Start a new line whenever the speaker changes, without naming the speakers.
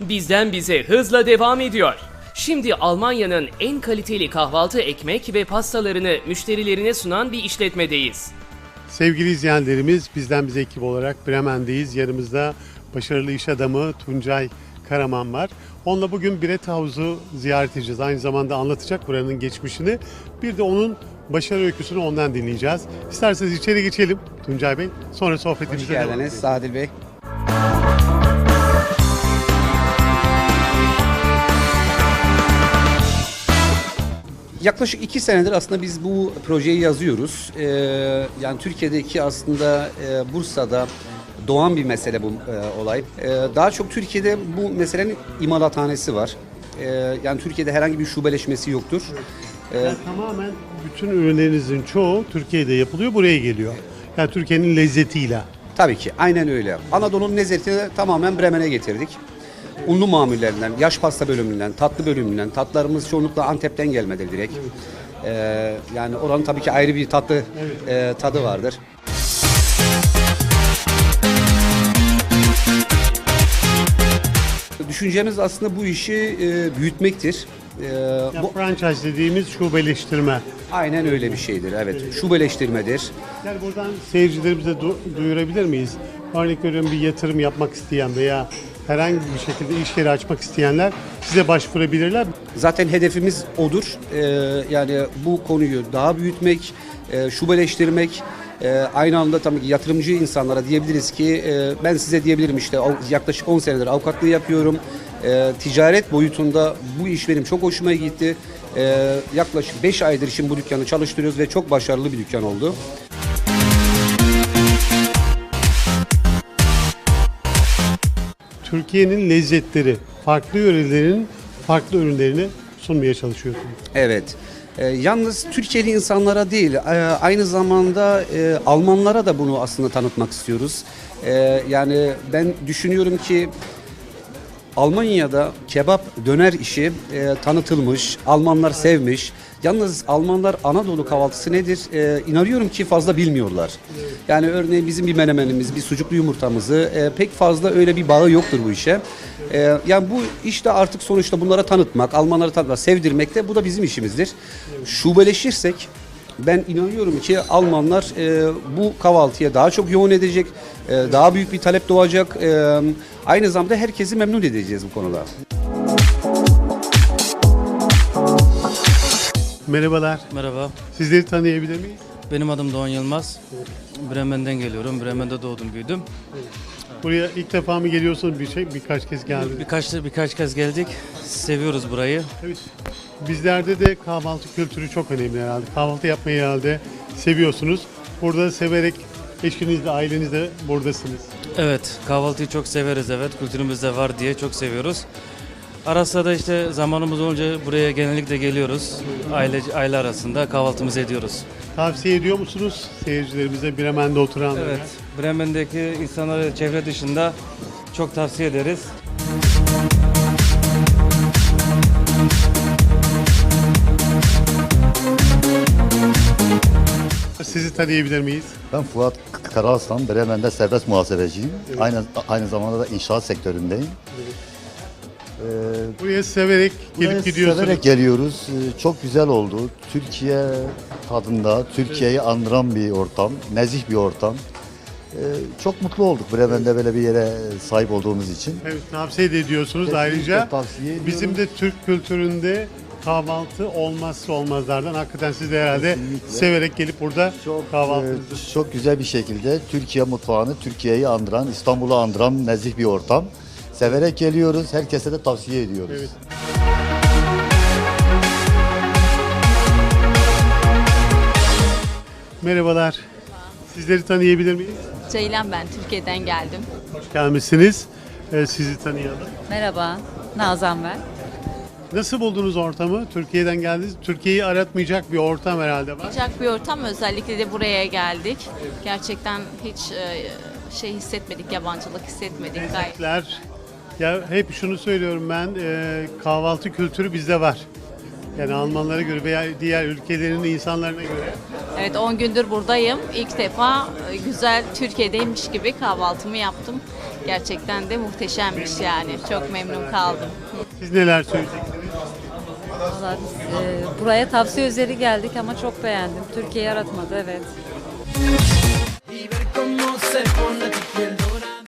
Bizden bize hızla devam ediyor. Şimdi Almanya'nın en kaliteli kahvaltı ekmek ve pastalarını müşterilerine sunan bir işletmedeyiz.
Sevgili izleyenlerimiz, bizden bize ekip olarak Bremen'deyiz. Yanımızda başarılı iş adamı Tuncay Karaman var. Onunla bugün Bread House'u ziyaret edeceğiz. Aynı zamanda anlatacak buranın geçmişini. Bir de onun başarı öyküsünü ondan dinleyeceğiz. İsterseniz içeri geçelim Tuncay Bey. Sonra sohbetimize
Hoş
devam
geldiniz
edelim.
Sadil Bey. Yaklaşık 2 senedir aslında biz bu projeyi yazıyoruz. Yani Türkiye'deki aslında Bursa'da doğan bir mesele bu olay. Daha çok Türkiye'de bu meselenin imalathanesi var. Yani Türkiye'de herhangi bir şubeleşmesi yoktur.
Yani tamamen bütün ürünlerinizin çoğu Türkiye'de yapılıyor, buraya geliyor. Yani Türkiye'nin lezzetiyle.
Tabii ki aynen öyle. Anadolu'nun lezzetini tamamen Bremen'e getirdik. Unlu mamullerinden, yaş pasta bölümünden, tatlı bölümünden, tatlarımız çoğunlukla Antep'ten gelmedir direkt. Yani oranın tabii ki ayrı bir tatlı tadı vardır. Düşüncemiz aslında bu işi büyütmektir.
Yani franchise dediğimiz şubeleştirme.
Aynen öyle bir şeydir. Evet, şubeleştirmedir.
Yani buradan seyircilerimize duyurabilir miyiz? Örnek veriyorum, bir yatırım yapmak isteyen veya herhangi bir şekilde iş yeri açmak isteyenler size başvurabilirler.
Zaten hedefimiz odur. Yani bu konuyu daha büyütmek, şubeleştirmek. Aynı anda tabii ki yatırımcı insanlara diyebiliriz ki ben size diyebilirim işte yaklaşık 10 senedir avukatlığı yapıyorum. Ticaret boyutunda bu iş benim çok hoşuma gitti. Yaklaşık 5 aydır şimdi bu dükkanı çalıştırıyoruz ve çok başarılı bir dükkan oldu.
Türkiye'nin lezzetleri, farklı yörelerin farklı ürünlerini sunmaya çalışıyorsunuz.
Evet. Yalnız Türkiye'li insanlara değil, aynı zamanda Almanlara da bunu aslında tanıtmak istiyoruz. Yani ben düşünüyorum ki Almanya'da kebap, döner işi tanıtılmış, Almanlar sevmiş. Yalnız Almanlar Anadolu kahvaltısı nedir? İnanıyorum ki fazla bilmiyorlar. Yani örneğin bizim bir menemenimiz, bir sucuklu yumurtamızı pek fazla öyle bir bağı yoktur bu işe. Yani bu işte artık sonuçta bunlara tanıtmak, Almanlara tanıtmak, sevdirmek de bu da bizim işimizdir. Şubeleşirsek ben inanıyorum ki Almanlar bu kahvaltıya daha çok yoğun edecek, daha büyük bir talep doğacak. Aynı zamanda herkesi memnun edeceğiz bu konuda.
Merhabalar.
Merhaba,
Sizleri tanıyabilir miyiz?
benim adım Doğan Yılmaz. Bremen'den geliyorum. Bremen'de doğdum, büyüdüm.
Buraya ilk defa mı geliyorsunuz, birkaç kez geldiniz?
Birkaç kez geldik. Seviyoruz burayı.
Evet. Bizlerde de kahvaltı kültürü çok önemli herhalde. Kahvaltı yapmayı herhalde seviyorsunuz. Burada severek eşinizle, ailenizle buradasınız.
Evet, kahvaltıyı çok severiz, evet. Kültürümüzde var diye çok seviyoruz. Ara sıra da işte zamanımız olunca buraya genellikle geliyoruz. Aile arasında kahvaltımızı ediyoruz.
Tavsiye ediyor musunuz seyircilerimize, Bremen'de oturanlara?
Evet, Bremen'deki insanlara çevre dışında çok tavsiye ederiz.
Sizi tanıyabilir miyiz?
Ben Fuat Karaaslan, Bremen'de serbest muhasebeciyim. Aynı zamanda da inşaat sektöründeyim.
Buraya severek gelip gidiyorsunuz.
Severek geliyoruz. Çok güzel oldu. Türkiye tadında, Türkiye'yi andıran bir ortam, nezih bir ortam. Çok mutlu olduk Bremen'de böyle bir yere sahip olduğumuz için.
Evet, tavsiye de ediyorsunuz.
Kesinlikle
Ayrıca
tavsiye ediyorum.
bizim de Türk kültüründe kahvaltı olmazsa olmazlardan. Hakikaten siz de herhalde
Kesinlikle.
severek gelip burada kahvaltınızı.
Çok güzel bir şekilde Türkiye mutfağını, Türkiye'yi andıran, İstanbul'u andıran nezih bir ortam. Severek geliyoruz. Herkese de tavsiye ediyoruz.
Evet. Merhabalar. Sizleri tanıyabilir miyiz?
Ceylan ben, Türkiye'den geldim.
Hoş gelmişsiniz. Sizi tanıyalım.
Merhaba, Nazan ben.
Nasıl buldunuz ortamı? Türkiye'den geldiniz. Türkiye'yi aratmayacak bir ortam herhalde var.
Sıcak bir ortam, özellikle de buraya geldik. Gerçekten hiç şey hissetmedik, yabancılık hissetmedik. Gayet.
Ya hep şunu söylüyorum ben, kahvaltı kültürü bizde var. Yani Almanlara göre veya diğer ülkelerin insanlarına göre.
Evet 10 gündür buradayım. İlk defa güzel Türkiye'deymiş gibi kahvaltımı yaptım. Gerçekten de muhteşemmiş yani. Çok memnun kaldım.
Siz neler söyleyeceksiniz?
Vallahi biz buraya tavsiye üzeri geldik ama çok beğendim. Türkiye yaratmadı evet.